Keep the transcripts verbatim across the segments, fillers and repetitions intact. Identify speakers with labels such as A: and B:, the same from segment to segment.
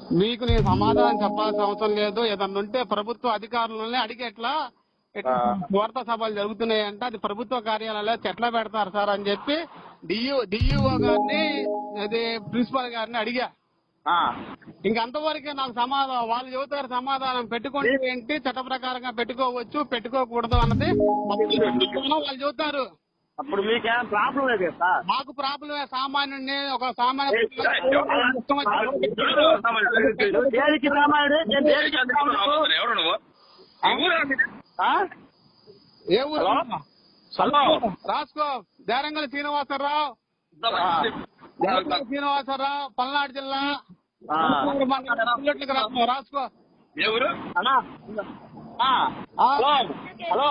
A: మీకు నేను సమాధానం చెప్పాల్సిన అవసరం లేదు. ఏదన్నా ఉంటే ప్రభుత్వ అధికారులని అడిగి ఎట్లా వార్తా సభలు జరుగుతున్నాయంటే అది ప్రభుత్వ కార్యాలయాల్లో చెట్ల పెడతారు సార్ అని చెప్పి డియూ డిఈఓ గారిని అది ప్రిన్సిపల్ గారిని అడిగా. ఇంకంతవరకే నాకు సమాధానం వాళ్ళు చెబుతారు. సమాధానం పెట్టుకుంటే ఏంటి, చట్ట ప్రకారంగా పెట్టుకోవచ్చు పెట్టుకోకూడదు అన్నది వాళ్ళు చెబుతారు.
B: అప్పుడు మీకేం ప్రాబ్లం లేదు సార్?
A: మాకు ప్రాబ్లమే. సామాన్యుడిని ఒక సామాన్య ఏ ఊరు రాసుకో. దేరంగల శ్రీనివాసరావు శ్రీనివాసరావు పల్నాడు జిల్లా రాసుకో.
B: హలో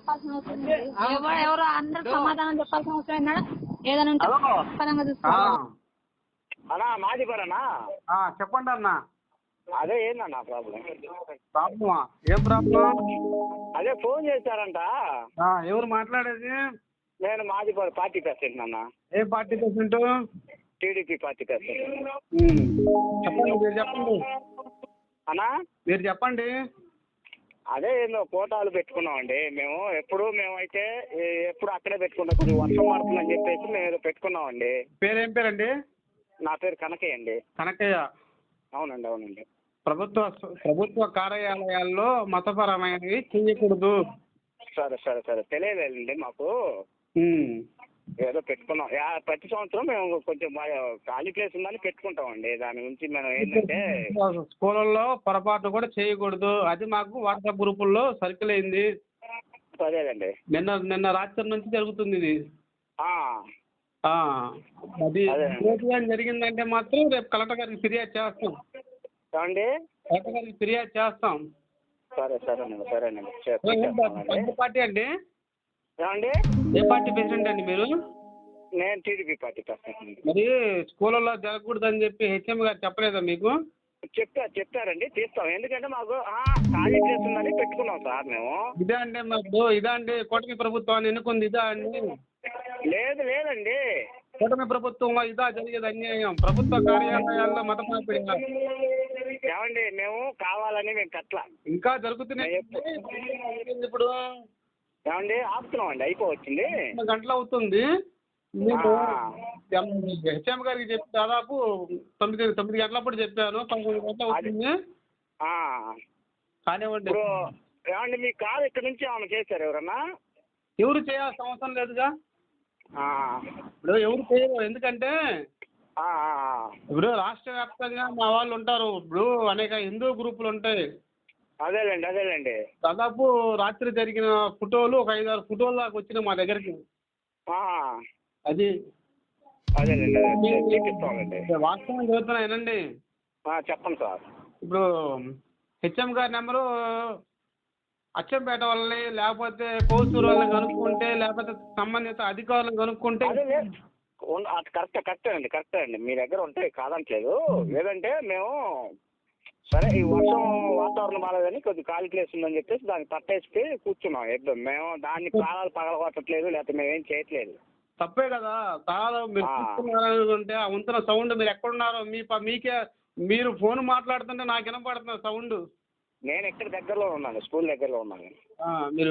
C: ఎవరో అందరూ సమాధానం చెప్పాల్సిన అవసరం ఏంటన్నా? ఏదైనా ఉంటే పరంగా చూసుకోవాలి.
B: అన్నా మాది పరనా?
A: చెప్పండి అన్న.
B: అదే ఏందన్నా ప్రాబ్లం?
A: ప్రాబ్లమా? ఏం ప్రాబ్లం?
B: అదే ఫోన్ చేశారంట.
A: ఎవరు మాట్లాడేది?
B: నేను మాది పార్టీ ప్రెసిడెంట్ అన్న.
A: ఏ party president?
B: TDP party president.
A: చెప్పండి, మీరు చెప్పండి
B: అన్నా.
A: మీరు చెప్పండి.
B: అదే ఏందో కోటాలు పెట్టుకున్నామండి మేము. ఎప్పుడు మేమైతే ఎప్పుడు అక్కడే పెట్టుకున్నాం. కొద్దిగా వర్షం పడుతుందని చెప్పేసి మేము ఏదో పెట్టుకున్నామండి.
A: పేరేం పేరండి?
B: నా పేరు కనకయ్య అండి.
A: కనకయ్య.
B: అవునండి అవునండి.
A: ప్రభుత్వ ప్రభుత్వ కార్యాలయాల్లో మతపరమైనవి చేయకూడదు.
B: సరే సరే సరే తెలియలేదండి మాకు. ఏదో పెట్టుకున్నాం. ప్రతి సంవత్సరం మేము కొంచెం ఖాళీ ప్లేస్ ఉందని పెట్టుకుంటామండి. దాని గురించి మనం ఏంటంటే
A: స్కూళ్ళల్లో పొరపాటు కూడా చేయకూడదు. అది మాకు వాట్సాప్ గ్రూపుల్లో సర్కిల్ అయింది.
B: అదేనండి.
A: నిన్న నిన్న రాత్రి నుంచి జరుగుతుంది ఇది. అది జరిగిందంటే మాత్రం రేపు కలెక్టర్ గారికి ఫిర్యాదు చేస్తాం.
B: ఏమండి?
A: కలెక్టర్ గారికి ఫిర్యాదు చేస్తాం.
B: సరే సరేనండి సరేనండి.
A: ఏ పార్టీ అండి?
B: ఏమండి?
A: ఏ పార్టీ ప్రెసిడెంట్ అండి మీరు?
B: నేను టీడీపీ పార్టీ ప్రెసిడెంట్.
A: మరి స్కూళ్ళలో జరగకూడదని చెప్పి హెచ్ఎం గారు చెప్పలేదా మీకు?
B: చెప్పారు చెప్పారండి. తీస్తాం. ఎందుకంటే మాకు ఖాళీ ప్లేస్ ఉందని పెట్టుకున్నాం సార్ మేము.
A: ఇదే అండి మాకు ఇదా అండి కూటమి ప్రభుత్వాన్ని ఎన్నుకుంది ఇదా అండి?
B: లేదు లేదండి.
A: కూటమి ప్రభుత్వంలో ఇదా జరిగేది అన్యాయం? ప్రభుత్వ కార్యాలయాల్లో మత మార్పిడి
B: ఏమండి? మేము కావాలని మేము కట్ల
A: ఇంకా జరుగుతున్నాయి. ఇప్పుడు
B: ఏమండి ఆపుతున్నాం అండి. అయిపోవచ్చింది.
A: గంటలు అవుతుంది. మీకు హెచ్ఎం గారికి చెప్పి దాదాపు తొమ్మిది తొమ్మిది గంటలప్పుడు చెప్పాను. పదకొండు గంటలు అవుతుంది. కానివ్వండి.
B: ఏమండి మీ కారు ఇక్కడ నుంచి ఏమైనా చేశారు ఎవరన్నా?
A: ఎవరు చేయాల్సిన అవసరం లేదుగా. ఇప్పుడు ఎవరు చేయరు. ఎందుకంటే ఇప్పుడు రాష్ట్ర వ్యాప్తంగా మా వాళ్ళు ఉంటారు. ఇప్పుడు అనేక హిందూ గ్రూపులు ఉంటాయి.
B: అదేలేండి అదేలేండి.
A: దాదాపు రాత్రి జరిగిన ఫోటోలు ఒక ఐదు ఆరు ఫోటోలు దాకా వచ్చినాయి మా దగ్గరికి. అది
B: అదేలేండి
A: వాస్తవం చదువుతున్నాయనండి.
B: చెప్పండి సార్.
A: ఇప్పుడు హెచ్ఎం గారి నెంబరు అచ్చంపేట వాళ్ళని లేకపోతే కోసూరు వాళ్ళని కనుక్కుంటే లేకపోతే సంబంధిత అధికారులను కనుక్కుంటే
B: కరెక్టే కరెక్టే అండి కరెక్టే అండి. మీ దగ్గర ఉంటాయి కాదంటలేదు. లేదంటే మేము సరే ఈ వర్షం వాతావరణం బాగాలేదని కొద్దిగా ఖాళీ ప్లేస్ ఉందని చెప్పేసి దాన్ని పట్టేసి కూర్చున్నాం. ఎప్పుడు మేము దాన్ని ప్రాణాలు పగలగొట్టట్లేదు లేకపోతే మేమేం చేయట్లేదు.
A: తప్పే కదా. తాళం మీరు చూస్తున్నారంటే ఆ వంతున సౌండ్ మీరు ఎక్కడున్నారో మీ మీకే మీరు ఫోన్ మాట్లాడుతుంటే నాకు వినపడుతున్న సౌండ్.
B: నేను ఎక్కడ దగ్గరలో ఉన్నాను. స్కూల్ దగ్గరలో ఉన్నాను.
A: మీరు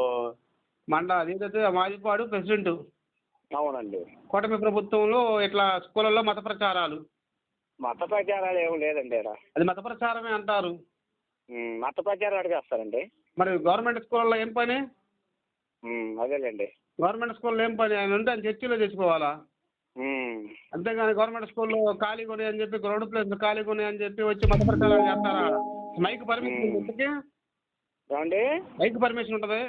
A: మండ అదేదైతే మాదిపాడు ప్రెసిడెంట్.
B: అవునండి.
A: కూటమి ప్రభుత్వంలో ఇట్లా స్కూళ్ళల్లో మత ప్రచారాలు
B: మత ప్రచారాలు ఏమి లేదండి.
A: అది మత ప్రచారమే అంటారు.
B: మత ప్రచారం అడిగేస్తారండి.
A: మరి గవర్నమెంట్ స్కూళ్ళల్లో ఏం పని?
B: అదేలేండి.
A: గవర్నమెంట్ స్కూల్లో ఏం పని? ఆయన ఉంటే ఆయన చర్చిలో తెచ్చుకోవాలా? అంతేగాని గవర్నమెంట్ స్కూల్లో ఖాళీ కొని అని చెప్పి గ్రౌండ్ ప్లేస్ ఖాళీ కొని అని చెప్పి వచ్చి మత ప్రచారాలు చేస్తారా? మైక్ పర్మిషన్ ఉంటుంది.
B: ఏమండి?
A: మైక్ పర్మిషన్ ఉంటుంది.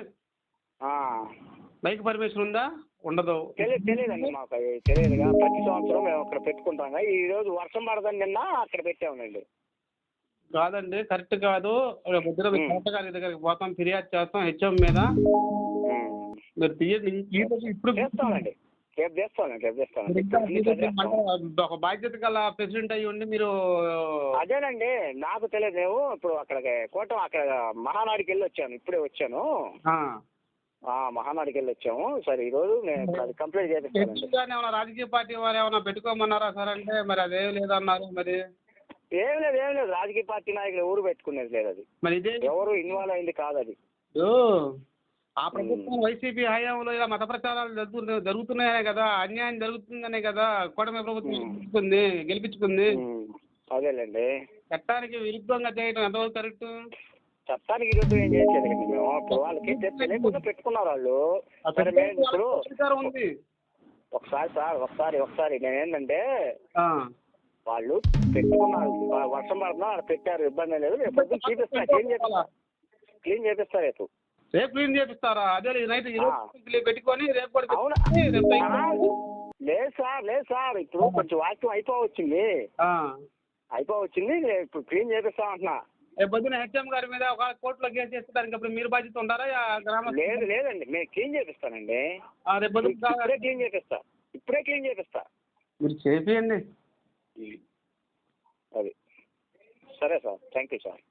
A: మైక్ పర్మిషన్ ఉందా? ఉండదు.
B: తెలియదు తెలియదండి మాకు. అవి తెలియదుగా. ప్రతి సంవత్సరం మేము అక్కడ పెట్టుకుంటాం. ఈ రోజు వర్షం పడదని నిన్న అక్కడ పెట్టామండి.
A: కాదండి కరెక్ట్ కాదు. పొద్దున కలెక్టర్ గారి దగ్గరికి పోతాం, ఫిర్యాదు చేస్తాం హెచ్ఎం మీద. మీరు తీయండి. ఇప్పుడు
B: చేస్తామండి. రేపు చేస్తానండి రేపు చేస్తాను.
A: ఒక బాధ్యత గల ప్రెసిడెంట్ అయ్యి ఉండి మీరు
B: అదేనండి నాకు తెలియదు. మేము ఇప్పుడు అక్కడికి కోట అక్కడ మహానాడికి వెళ్ళి వచ్చాను. ఇప్పుడే వచ్చాను. మహానాడికి వెళ్ళి వచ్చాము. సరే ఈ రోజు నేను కంప్లైంట్ చేస్తాను.
A: రాజకీయ పార్టీ వారు ఏమైనా పెట్టుకోమన్నారా సార్ అంటే మరి అదేం లేదన్నారు. మరి
B: ఏం లేదు ఏం లేదు రాజకీయ పార్టీ నాయకులు ఎవరు పెట్టుకునేది లేదు అది.
D: మరి ఇదే
B: ఎవరు ఇన్వాల్వ్ అయింది కాదు అది.
D: ఆ ప్రభుత్వం వైసీపీ హయాంలో ఇలా మత ప్రచారాలు జరుగుతు జరుగుతున్నాయనే కదా, అన్యాయం జరుగుతుందనే కదా కూటమి ప్రభుత్వం గెలిపించుకుంది గెలిపించుకుంది
B: అదేలేండి.
D: చట్టానికి విరుద్ధంగా చేయడం ఎంతవరకు కరెక్ట్?
B: చట్టానికి విరుద్ధం ఏం చేసేది మేము ఇప్పుడు వాళ్ళకి తెలియకుండా పెట్టుకున్నారు వాళ్ళు. సరే మేము ఇప్పుడు
D: ఉంది
B: ఒకసారి సార్ ఒకసారి ఒకసారి నేనేంటంటే వాళ్ళు పెట్టుకున్నారు, వర్షం పడుతున్నా వాళ్ళు పెట్టారు, ఇబ్బంది లేదు. రేపు పొద్దున్న చూపిస్తా, క్లీన్ చేపిస్తా క్లీన్ చేపిస్తా రేపు
D: రేపు క్లీన్ చేపిస్తారా? అదే నైట్ పెట్టుకొని రేపు కూడా
B: అవునా? లేదు సార్ లేదు సార్ ఇప్పుడు కొంచెం వాక్యం అయిపోవచ్చింది అయిపోవచ్చింది ఇప్పుడు క్లీన్ చేపిస్తా అంటున్నా.
D: రేపు పొద్దున హెచ్ఎం గారి మీద ఒక కోర్టులో కేసు చేస్తే దానికి అప్పుడు మీరు బాధ్యత ఉంటారా? గ్రామ
B: లేదు లేదండి నేను క్లీన్ చేపిస్తానండి.
D: రేపు పొద్దున
B: ఇప్పుడే క్లీన్ చేపిస్తా ఇప్పుడే క్లీన్ చేపిస్తా
D: మీరు చేపియండి.
B: అది సరే సార్, థ్యాంక్ యూ సార్.